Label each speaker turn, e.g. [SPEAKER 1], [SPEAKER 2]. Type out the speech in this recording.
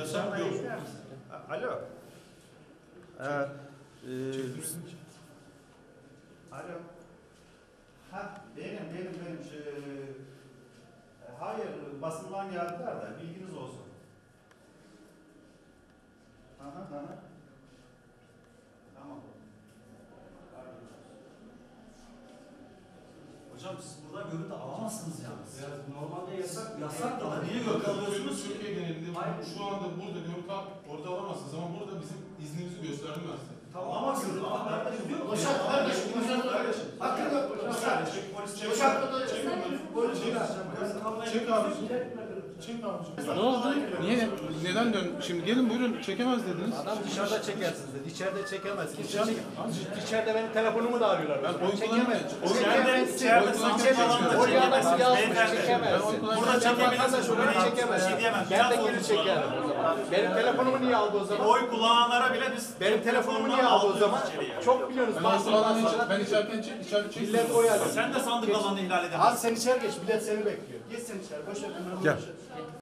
[SPEAKER 1] Yasak yok.
[SPEAKER 2] Alo.
[SPEAKER 1] Çekmişsin ki.
[SPEAKER 2] Alo. Ha benim. Hayır basından geldiler de bilginiz olsun. Tamam.
[SPEAKER 3] Hocam siz buradan görüntü alamazsınız yalnız.
[SPEAKER 4] Ya, normalde yasak.
[SPEAKER 3] Yasak da niye görüntü alıyorsunuz ki?
[SPEAKER 1] Türkiye genelinde
[SPEAKER 4] Hayır.
[SPEAKER 1] şu anda burada görüntü orada alamazsınız ama burada bizim iznimizi gösterdim ben size.
[SPEAKER 3] Ama görüntü almak diyor.
[SPEAKER 4] Boşalt kardeşim. Hakkın yok.
[SPEAKER 1] Çek abicim. Çek abicim. Ne oldu? Niye? Neden dön? Şimdi gelin buyurun çekemez dediniz.
[SPEAKER 5] Adam dışarıda çekersiniz dedi. İçeride çekemezsiniz. İçeride benim telefonumu da arıyorlar.
[SPEAKER 1] Ben oy kullanmıyorum.
[SPEAKER 3] İçeride sandık alanında
[SPEAKER 5] Oraya
[SPEAKER 3] çekemezsiniz.
[SPEAKER 5] çekemezsin.
[SPEAKER 3] Burada çekebilirsiniz.
[SPEAKER 5] Şurada çekemezsin. Ben de geri çekerim o zaman. Benim telefonumu niye aldı o zaman?
[SPEAKER 3] Oy kullananlara bile biz
[SPEAKER 5] Benim telefonumu niye aldı o zaman? Çok biliyorsunuz.
[SPEAKER 1] Ben içerken çek.
[SPEAKER 5] Millet oy alıyor.
[SPEAKER 3] sen de sandık alanını ihlal edemezsin.
[SPEAKER 4] Abi sen içeri geç. Millet seni bekliyor. Geç sen içeri. Boş ver.
[SPEAKER 2] Gel.